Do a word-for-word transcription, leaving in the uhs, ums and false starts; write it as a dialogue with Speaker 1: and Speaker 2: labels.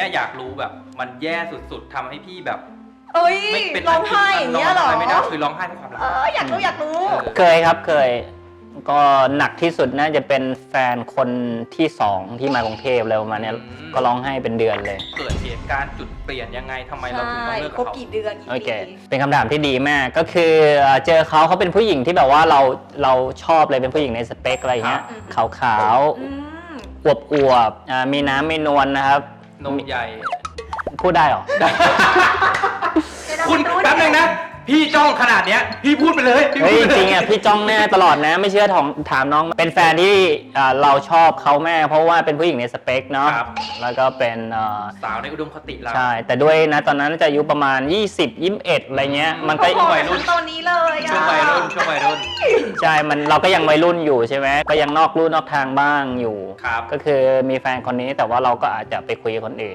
Speaker 1: นี้ยอยากรู้แบบมันแย่สุดๆทำให้พี่แบบ
Speaker 2: เอ้ย
Speaker 1: ไม่เป็น
Speaker 2: ร้องไห้อย่างเงี้ยเหรอ
Speaker 1: ไม่ได้คือร้องไห้เพราะความรัก
Speaker 2: เอออยากรู้อยากรู้
Speaker 3: เคยครับเคยก็หนักที่สุดน่าจะเป็นแฟนคนที่สองที่มากรุงเทพเลยประมาณเนี้ยก็ร้องไห้เป็นเดือนเลย
Speaker 1: เกิดเหตุการณ์จุดเปลี่ยนยังไงทำไมเราถึงต้องเลิก
Speaker 2: ค
Speaker 1: กั
Speaker 2: บบ
Speaker 1: เขา
Speaker 2: กี่เดือนกี่
Speaker 3: โอเค
Speaker 2: ปี
Speaker 3: เป็นคำถามที่ดีมากก็คือเจอเขาเขาเป็นผู้หญิงที่แบบว่าเราเราชอบเลยเป็นผู้หญิงในสเปคอะไรเงี้ยขาวขาว
Speaker 2: อืม
Speaker 3: อวบอวบๆอ่ามีน้ำมีนวลนะครับ
Speaker 1: นมใหญ่
Speaker 3: พูดได้เหรอ
Speaker 1: คุณแป๊บนึงนะพี่จ้องขนาดเนี้ยพี่พูดไปเลยพี่
Speaker 3: เฮ้ย
Speaker 1: พูด
Speaker 3: จ
Speaker 1: ไปล
Speaker 3: ริงๆอ่ะพี่จ้องแน่ตลอดนะ ไม่เชื่อถามถามน้องเป็นแฟนที่อ่าเราชอบเขาแม่เพราะว่าเป็นผู้หญิงในสเปคเนาะ
Speaker 1: ครับ
Speaker 3: แล้วก็เป็นอ่า
Speaker 1: สาวในอุดมคติเรา
Speaker 3: ใช่แต่ด้วยนะตอนนั้นจะอายุประมาณ ยี่สิบ ยี่สิบเอ็ด อะไรเงี้ยมันก็
Speaker 2: โอ้โห
Speaker 1: วัยรุ่น
Speaker 2: ตอนนี้เลยอะ
Speaker 1: ช่วงวัยรุ่นช่วงวัยรุ่น
Speaker 3: ใช่มันเราก็ยังวัยรุ่นอยู่ใช่ไหมก็ยังนอกลู่นอกทางบ้างอยู่
Speaker 1: ครับ
Speaker 3: ก็คือมีแฟนคนนี้แต่ว่าเราก็อาจจะไปคุยกับคนอื่น